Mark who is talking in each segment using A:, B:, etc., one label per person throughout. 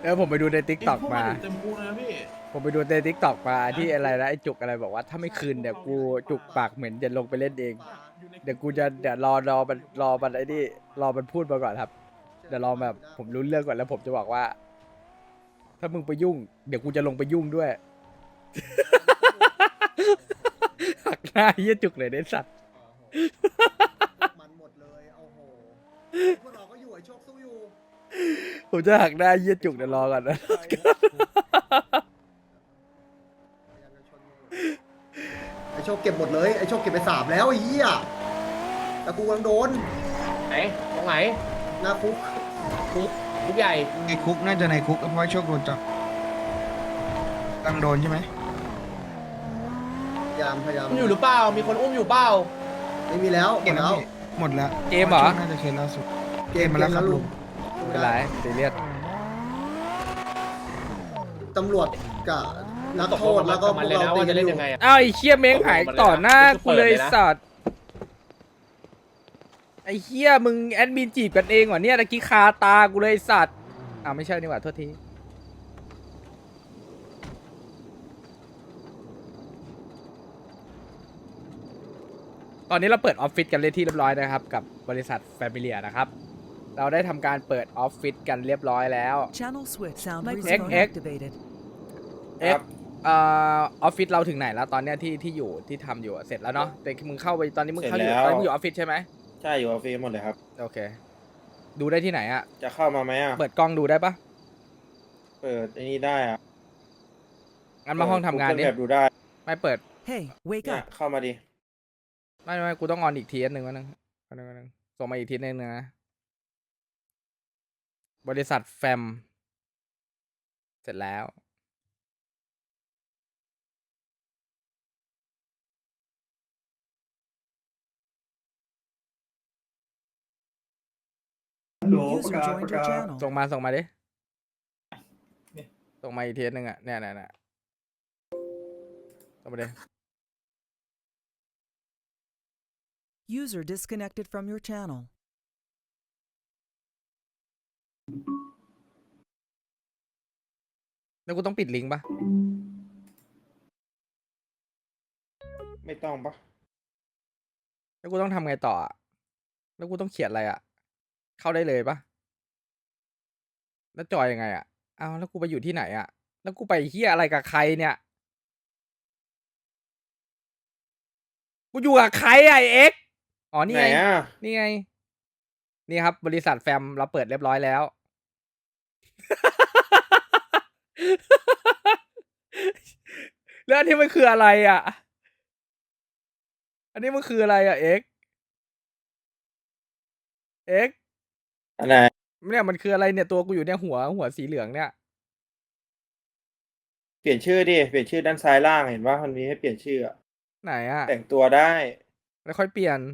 A: ผมไปดูในทิกตอกมา
B: เต็มพูนะพี่
A: ผมไปดูในทิกตอกมาที่อะไรนะไอ้จุกอะไรบอกว่าถ้าไม่คืนเดี๋ยวกูจุกปากเหม็นจะลงไปเล่นเองเดี๋ยวกูจะเดี๋ยวรอมันไอ้นี่รอมันพูดมาก่อนครับเดี๋ยวรอแบบผมรู้เรื่องก่อนแล้วผมจะบอกว่า ถ้ามึงไปยุ่งเดี๋ยวกูจะลงไปยุ่งด้วย หักหน้าเหี้ยจุกเลยเด็ดสัตว์
C: มันหมดเลยโอ้โหพวกเราก็อยู่ไอ้โชคสู้อยู่
A: ผมจะหักหน้าเหี้ยจุกเดี๋ยวรอก่อนนะ
C: พยายามจะชนมึงไอ้โชคเก็บหมดเลยไอ้โชคเก็บไป3แล้วไอ้เหี้ยแต่กูกำลังโดน
D: ไหนตรงไหน
C: หน้าคุก
D: คุกใหญ่
E: ในคุกน่าจะในคุกเพราะว่าโชคโดนจับตั้งโดนใช่ไหม
C: พยายาม
D: อุ้มอยู่หรือเปล่ามีคนอุ้มอยู่เปล่า
C: ไม่มีแล้วหม
E: เกม
C: ดแล้ว
E: หมดแล้ว
A: เกมเหรอ
E: พาะว่าโชคน่าจะเคสล่าสุด เกมมาแล้วครับลุง
A: ไม่เป็นไรซีเรียส
C: ตำรวจกับนักโทษแล้วก็พ
D: มั
C: วน ก
D: เลย
C: เรา
D: นะ
C: ตี
D: ว่า
C: กั
D: จะ
C: น
D: เล่น
C: อยู่
D: ยังไงอะ
A: อ้าวไอ้เชี่ยเม้งหายต่อหน้ากูเลยสัตว์ไอ้เชี่ยมึงแอดมินจีบกันเองเหรอเนี่ยตะกี้คาตากูเลยสัตว์อ้าวไม่ใช่นี่หว่าโทษทีตอนนี้เราเปิดออฟฟิศกันเรียบที่เรียบร้อยนะครับกับบริษัทแฟมิเลียนะครับเราได้ทำการเปิดออฟฟิศกันเรียบร้อยแล้ว
F: Channel switch. Sound
A: X,
F: microphone
A: X.
F: activated.
A: เอ็กออฟฟิศเราถึงไหนแล้วตอนเนี้ยที่อยู่ที่ทำอยู่อะเสร็จแล้วเนาะแต่มึงเข้าไปตอนนี้มึงเข้าอยู่
G: เสร็จแล้ว
A: ตอนนี้มึงอยู่ออฟฟิศใช่ไหม
G: ใช่อยู่ออฟฟิศหมดเลยครับ
A: โอเค ดูได้ที่ไหนอะ
G: จะเข้ามาไหมอ่ะ
A: เปิดกล้องดูได้ปะ
G: เปิดไอ้นี่ได้อ่ะ
A: งั้นมาห้องทำงานดิ
G: แบบดูได้
A: ไม่เปิด
F: Hey, wake
G: เนี่ย
F: up.
G: เข้ามาดิ
A: ไม่กูต้องออนอีกทีนึงวะนึงส่งมาอีกทีนึงนะบริษัทแฟมเสร็จแล้ว
F: User joined your channel.
A: ส่งมาดิส่งมาอีกทีนึงอะเนี่ยส่งมาดิ
F: User disconnected from your channel.
A: แล้วกูต้องปิดลิงก์ปะ
G: ไม่ต้องปะ
A: แล้วกูต้องทำไงต่ออะแล้วกูต้องเขียนอะไรอะเข้าได้เลยปะแล้วจอยยังไงอะอ้าวแล้วกูไปอยู่ที่ไหนอะแล้วกูไปเฮียอะไรกับใครเนี่ยกูอยู่กับใครอะไอ้เอ็กซ์อ๋อนี่
G: ไหน
A: ไง
G: อ่ะ
A: นี่ไง นี่ครับ บริษัทแฟมเราเปิดเรียบร้อยแล้ว แล้วอันนี้มันคืออะไรอ่ะ อันนี้มันคืออะไรอ่ะเอ็กซ์
G: อันไหน
A: เนี่ยมันคืออะไรเนี่ยตัวกูอยู่เนี่ยหัวสีเหลืองเนี่ย
G: เปลี่ยนชื่อดิ เปลี่ยนชื่อด้านซ้ายล่างเห็นว่ามันมีให้เปลี่ยนชื่ออะ
A: ไหนอ่ะ
G: แต่งตัวได้
A: แล้วค่อยเปลี่ยน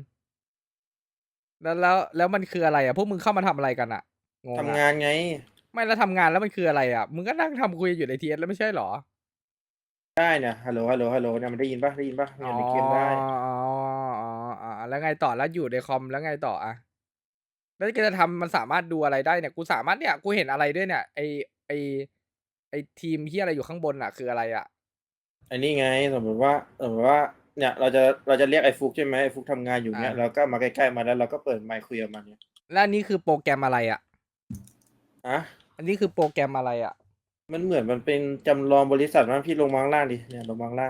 A: แล้วมันคืออะไรอ่ะพวกมึงเข้ามาทำอะไรกันอ่ะงง
G: ทำ
A: อ่ะ
G: งานไง
A: ไม่แล้วทำงานแล้วมันคืออะไรอ่ะมึงก็นั่งทำคุยอยู่ในทีเอสแล้วไม่ใช่หรอ
G: ได้เนี่ยฮัลโหลเนี่ยมันได้ยินปะเนี่ยในเกมได้
A: แล้วไงต่อแล้วอยู่ในคอมแล้วไงต่ออ่ะแล้วแกจะทำมันสามารถดูอะไรได้เนี่ยกูสามารถเนี่ยกูเห็นอะไรด้วยเนี่ยไอทีมที่อะไรอยู่ข้างบนอ่ะคืออะไรอ่ะ
G: อันนี้ไงสมมติว่าเนี่ยเราจะเรียกไอ้ฟุกใช่ไหมไอ้ฟุกทำงานอยู่เนี่ยเราก็มาใกล้ๆมาแล้วเราก็เปิดไมค์คุยกับมันเนี่ย
A: แล้วอันนี้คือโปรแกรมอะไรอ่ะ
G: อะ
A: อันนี้คือโปรแกรมอะไรอ่ะ
G: มันเหมือนมันเป็นจำลองบริษัทมั้งพี่ลงมาข้างล่างดิเนี่ยลงมาข้างล่าง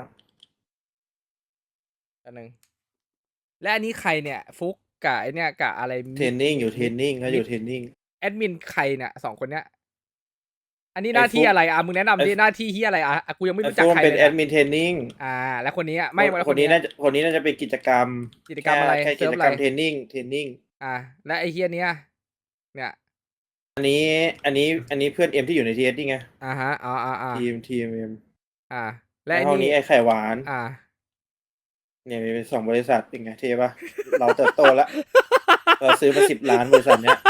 A: อันหนึ่งและอันนี้ใครเนี่ยฟุกกับไอเนี่ยกับอะไร
G: เทรนนิ่งอยู่เทรนนิ่งเขาอยู่เทรนนิ่ง
A: แอดมินใครเนี่ยสองคนเนี้ยอันนี้หน้าที่อะไรอ่ะมึงแนะนำดิหน้าที่ที่อะไรอ่ะกูยังไม่
G: ไอ้
A: รู้จัก
G: โฟม
A: ใคร
G: เป็น
A: เลย
G: แอ
A: นะ
G: ดมินเทรนนิ่ง
A: แล้วคนนี้อ่ะไม่
G: คนนี้น่าจะเป็นกิจกรรม
A: กิจกรรมอะไร
G: แค่
A: เซิ
G: กิ
A: ร์ฟ
G: จ
A: อะ
G: กร
A: ไร
G: รมเทรนนิ่ง
A: และไอเฮียเนี้ยเนี่ย
G: อันนี้เพื่อนเอ็มที่อยู่ในทีเอสนี่ไง
A: ฮะ
G: ทีมเอ็ม
A: และไอ
G: ห้องนี้
A: นี่
G: ไอ้ไข่หวาน เนี่ยมีเป็น2 บริษัทเป็นไงเท่ปะ เราเติบโตแล้ว เราซื้อมา10 ล้านบริษัทเนี้ย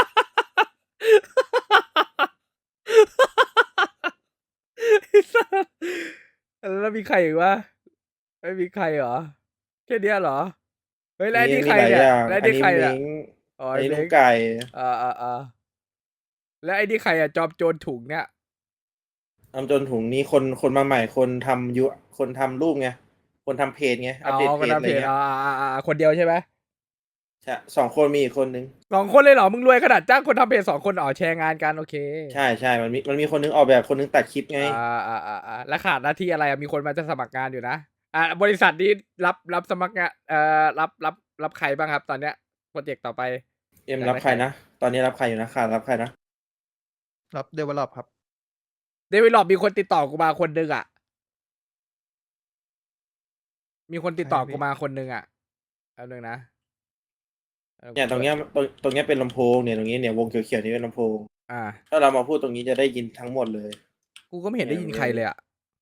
A: แล้วมีใครอีกวะไม่มีใครเหรอแค่เนี้ยเหรอเฮ้ยแล้วไอ้นี่ใคร
G: มีหลาย
A: เนี่ย
G: อย่าง
A: แล้ว
G: อั
A: ไอ้
G: น
A: นี่
G: นี้
A: ใคร
G: มิ
A: อ่ะ
G: ง
A: อ๋อ
G: อันนี้
A: ไอ้
G: ลู
A: เม้
G: ก
A: ง
G: ไก่
A: แล้วไอ้นี่ใครอ่ะจอมโจรถุงเนี่ย
G: ทำจนถุงนี้คนมาใหม่คนทำรูปไงคนทำเพจไงอัปเดตเพจอะไรเงี้ย
A: คนเดียวใช่ไหม
G: ใช่2 คนมีอีกคนนึง
A: 2 คนเลยเหรอมึงรวยขนาดจ้างคนทำเพจ2 คนอ๋อแชร์งานกันโอเค
G: ใช่มันมีคนนึงออกแบบคนนึงตัดคลิปไง
A: แล้วขาดหน้าที่อะไรอะมีคนมาจะสมัครงานอยู่นะบริษัทนี้รับสมัครงานรับใครบ้างครับ ตอนเนี้ยโปรเจกต์ต่อไป
G: เอ็มรับใครนะตอนนี้รับใครอยู่นะขาดรับใครนะ
B: รับเดเวลลอปครับ
A: เดวิดลอบมีคนติดต่อกูมาคนนึงอ่ะ มีคนติดต่อกูมาคนนึงอ่ะเอาหนึ่งนะ
G: เนี่ยตรงเนี้ยเป็นลำโพงเนี่ยตรงนี้เนี่ยวงเขียวๆนี่เป็นลำโพง
A: อ่า
G: ถ้าเรามาพูดตรงนี้จะได้ยินทั้งหมดเลย
A: กูก็ไม่เห็นได้ยินใครเลยอ่ะ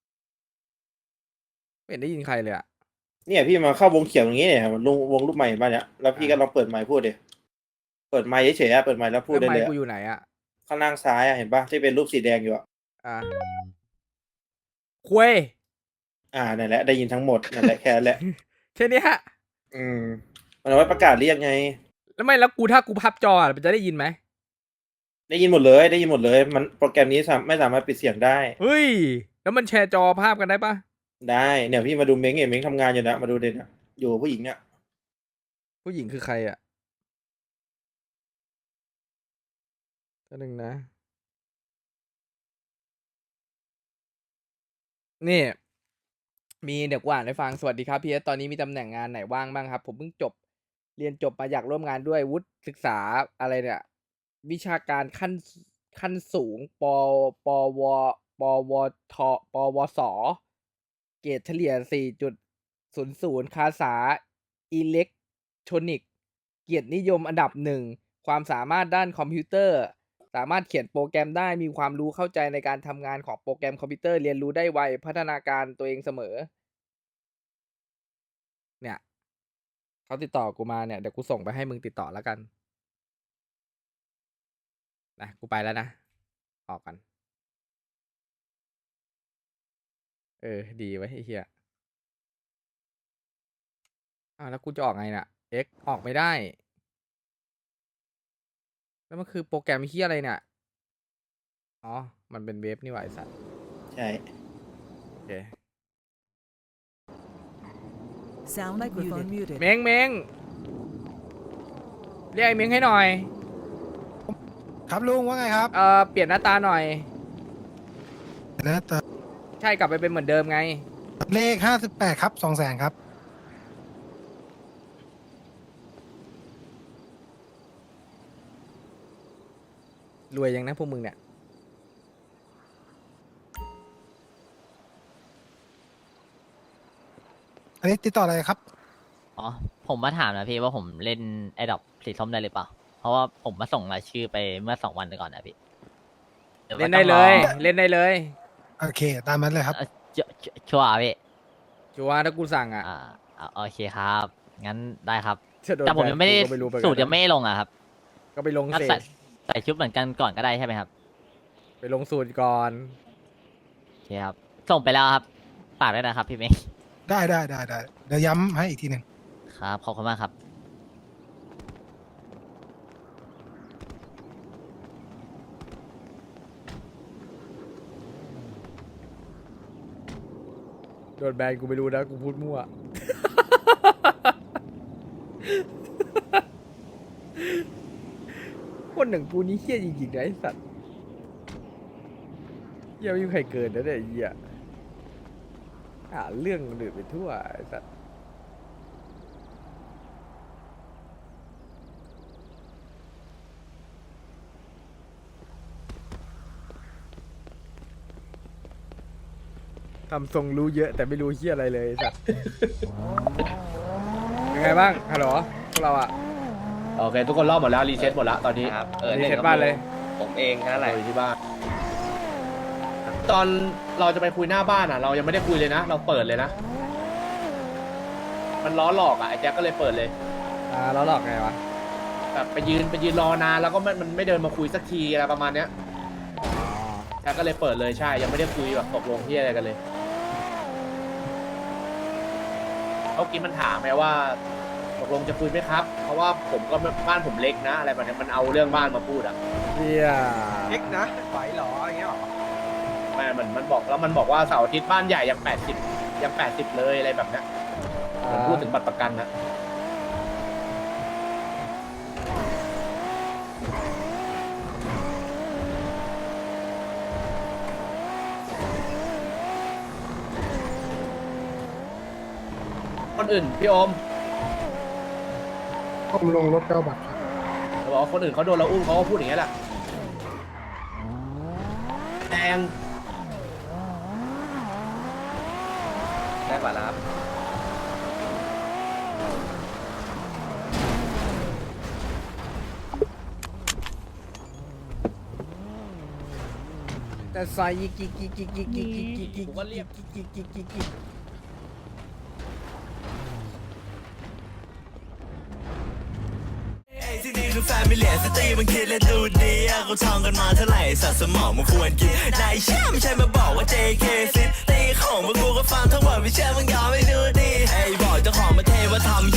A: ไม่เห็นได้ยินใครเลยอ่ะ
G: เนี่ยพี่มาเข้าวงเขียวตรงนี้เนี่ยมันวงรูปใหม่บ้านเนี่ยแล้วพี่ก็ลองเปิดไมค์พูดดิเปิดไมค์เฉยๆอะเปิดไมค์แล้วพูดได้
A: แล้ว
G: เลย
A: ไมค์
G: อะ
A: กูอยู่ไหนอ่ะ
G: ข้างล่างซ้ายอะเห็นปะที่เป็นรูปสีแดงอยู่อะ
A: คุย
G: นั่นแหละได้ยินทั้งหมดนั่นแหละแค่นั้นแหละ
A: แค่นี้ฮะ
G: มันเอาไว้ประกาศเรียกไง
A: แล้วไม่แล้วถ้ากูพับจออะมันจะได้ยินไหม
G: ได้ยินหมดเลย มันโปรแกรมนี้ไม่สามารถปิดเสียงได้
A: เฮ้ย แล้วมันแชร์จอภาพกันได้ปะ
G: ได้เนี่ยพี่มาดูเม้งเม้งทำงานอยู่นะมาดูเด่นอะอยู่กับผู้หญิงเนี่ย
A: ผู้หญิงคือใครอ่ะตัวหนึ่งนะ นี่ มีเดี๋ยวกูอ่านให้ฟังสวัสดีครับพี่เอสตอนนี้มีตำแหน่งงานไหนว่างบ้างครับ ผมเพิ่งเรียนจบมาอยากร่วมงานด้วยวุฒิศึกษาอะไรเนี่ย วิชาการขั้นสูงปวทปวสเกรดเฉลี่ย 4.00 คาษาอิเล็กทรอนิกส์เกียรตินิยมอันดับ 1 ความสามารถด้านคอมพิวเตอร์ สามารถเขียนโปรแกรมได้มีความรู้เข้าใจในการทำงานของโปรแกรมคอมพิวเตอร์เรียนรู้ได้ไวพัฒนาการตัวเองเสมอ เนี่ยเขาติดต่อกูมาเนี่ยเดี๋ยวกูส่งไปให้มึงติดต่อแล้วกันนะกูไปแล้วนะออกกันดีไว้ไอ้เหี้ยแล้วกูจะออกไงน่ะ X ออกไม่ได้ แล้วมันคือโปรแกรมเหี้ยอะไรเนี่ยอ๋อมันเป็นเว็บนี่หว่าไอ้สัตว์
G: ใช่
A: โอเค
F: Sound microphone muted.
A: เม้งเรียกไอ้เม้งให้หน่อย
E: ครับลุงว่าไงครับ
A: เปลี่ยนหน้าตาหน่อย
E: แล้วแต่
A: ใช่กลับไปเป็นเหมือนเดิมไง
E: เลข58ครับ200,000ครับ
A: รวยยังนะพวกมึงเนี่ย
E: อันนี้ติดต่ออะไรครับ
H: อ๋อ ผมมาถามนะพี่ว่าผมเล่นไอ้ดอกสีส้มได้หรือเปล่า เพราะว่าผมมาส่งรายชื่อไปเมื่อ2 วันก่อนนะพี่หรือว่า
A: เล่นได้เลย เล่นได้เลย
E: โอเค ตามนั้นเลยครับ
H: ชัวร์พี่
A: ชัวร์ถ้ากูสั่งอ่ะ
H: โอเคครับ งั้นได้ครับ
A: จะโดน
H: แต่ผมยังไม่ได้
A: แบนกูก็รู้เหมือนกัน
H: สูตรยังไม่ลงอะครับ
A: ก็ไปลง
H: งั้น
A: เสร็
H: ใส่ชุดเหมือนกันก่อนก็ได้ใช่ไหมครับ
A: ไปลงสูตรก่อน
H: โอเคครับ ส่งไปแล้วครับฝากด้วยนะครับพี่เมย์
E: ได้เดี๋ยวย้ำให้อีกทีหนึ่ง
H: ครับขอบคุณมากครับ
A: โดนแบนกูไม่รู้นะกูพูดมั่ว คนหนึ่งกูนี้เฮี้ยจริงๆนะไอ้สัตว์เฮี้ยไม่มีใครเกินนะเนี่ยไอ้เฮี้ยหาเรื่องดื่นไปทั่วไอ้สัตว์ทำทรงรู้เยอะแต่ไม่รู้เฮี้ยอะไรเลยไอ้สัตว์ เป็นไงบ้างฮัลโหลพวกเราอะ
D: โอเค ทุกคนรอบหมดแล้วรีเซ็ตหมดแล้วตอนนี้
I: ครับ
A: รีเซ็ตบ้านเลย
I: ผมเองนั่นแหละ
D: อยู่ที่บ้าน ตอนเราจะไปคุยหน้าบ้านอ่ะ เรายังไม่ได้คุยเลยนะ เราเปิดเลยนะ มันล้อหลอกอ่ะไอ้แจ็คก็เลยเปิดเลย
A: แล้วหลอกไงวะ
D: แบบไปยืนรอนานแล้วก็มันไม่เดินมาคุยสักทีอะไรประมาณเนี้ยแจ็คก็เลยเปิดเลยใช่ ยังไม่ได้คุยแบบตกลงที่อะไรกันเลยเมื่อกี้มันถามไงว่าตกลงจะคุยไหมครับ เพราะว่าผมก็บ้านผมเล็กนะ อะไรแบบนี้มันเอาเรื่องบ้านมาพูดอ่ะ
A: เฮี้ย
B: เอ็กนะไหวเหรออย่างเงี้ยหรอ
D: ไม่มันบอกแล้วมันบอกว่าเสาร์อาทิตย์บ้านใหญ่ยัง80เลยอะไรแบบเนี้ยผมพูดถึงบัตรประกันนะคนอื่นพี่โอม
B: ผมลงรถ9 บาท
D: เขาบอกว่าคนอื่นเขาโดนเราอุ้มเขาก็พูดอย่างนี้ยแหละแดงกว่าแล้วครับ
A: แต่ซอยยิกยิกยิกยิกยิกยิกยิกยิกยิก
D: ผมก็เรียก
A: ยิกยิกยิกยิก
I: ที่นี่คือแฟมิเลียสตรีมันคิดและดูดีอะเขาท่องกันมาเท่าไหร่สัตว์สมองมันควรกินนายเชื่อไม่ใช่มาบอกว่า JK ซิตี้ของพวกกูก็ฟังทั้งหมดไม่เชื่อมึงยอมไม่ดูดีไอ้บอกเจ้าของประเทศว่าทำ